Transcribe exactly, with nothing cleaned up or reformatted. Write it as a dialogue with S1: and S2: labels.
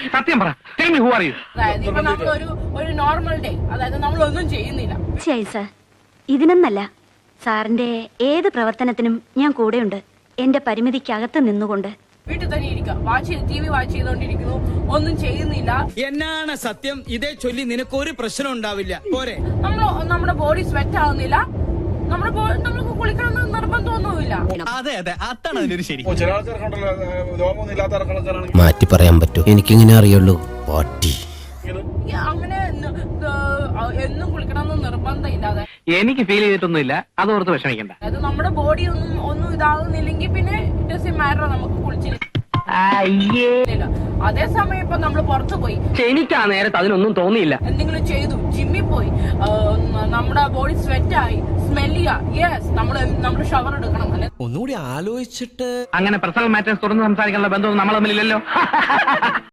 S1: സത്യം പറ. Tell me who are you?
S2: അതായത് ഇപ്പൊ നമ്മളൊരു ഒരു നോർമൽ ഡേ, അതായത് നമ്മളൊന്നും ചെയ്യുന്നില്ല.
S3: തീർച്ചയായും സാർ, ഇതിനൊന്നല്ല, സാറിന്റെ ഏത് പ്രവർത്തനത്തിനും ഞാൻ കൂടെയുണ്ട്, എന്റെ പരിമിതിക്കകത്ത് നിന്നുകൊണ്ട്.
S2: വീട്ടിൽ തന്നെ ഇരിക്കുക, വാച്ച് ചെയ്ത് ടി വി വാച്ച് ചെയ്തോണ്ടിരിക്കുന്നു, ഒന്നും ചെയ്യുന്നില്ല.
S4: എന്നാണ് സത്യം? ഇതേ ചൊല്ലി നിനക്കൊരു പ്രശ്നം ഉണ്ടാവില്ല. പോരെ,
S2: നമ്മൾ നമ്മുടെ ബോഡി സ്വെറ്റ് ആവുന്നില്ല, നമ്മുടെ നമ്മൾക്ക് കുളിക്കണം നിർബന്ധമൊന്നുമില്ല.
S4: അതെ അതെ, അതാണ് അതിനൊരു ശരി.
S5: ചില ആൾക്കാർക്കുണ്ടല്ലോ രോമൊന്നും ഇല്ലാത്ത ആൾക്കാരാണെങ്കിൽ
S6: മാറ്റി പറയാൻ പറ്റൂ, എനിക്കിങ്ങനെ അറിയുള്ളൂ. പാട്ടി
S2: അങ്ങനെ എന്നും കുളിക്കണം എന്ന് നിർബന്ധം ഇല്ലാതെ
S1: എനിക്ക് ഫീൽ ചെയ്തിട്ടൊന്നുമില്ല, അതോർത്ത് വിഷമിക്കണ്ട.
S2: അതായത് നമ്മുടെ ബോഡി ഒന്നും ഒന്നും ഇതാകുന്നില്ലെങ്കിൽ പിന്നെ ഇറ്റ് ഡസന്റ് മാറ്റർ, നമുക്ക് കുളിച്ചില്ല. അതേസമയം ഇപ്പൊ നമ്മൾ പുറത്തു പോയി,
S1: എനിക്ക് ആ നേരത്ത് അതിനൊന്നും തോന്നിയില്ല.
S2: എന്തെങ്കിലും ചെയ്തു, ജിമ്മിൽ പോയി, നമ്മുടെ ബോഡി സ്വെറ്റ് ആയി, സ്മെല് ചെയ്യാ, യെസ്, നമ്മള് നമ്മൾ ഷവർ എടുക്കണം. അല്ലെ,
S4: ഒന്നുകൂടി ആലോചിച്ചിട്ട്
S1: അങ്ങനെ പേഴ്സണൽ മാറ്റേഴ്സ് തുറന്ന് സംസാരിക്കാനുള്ള ബന്ധമൊന്നും നമ്മൾ തമ്മിലില്ലല്ലോ.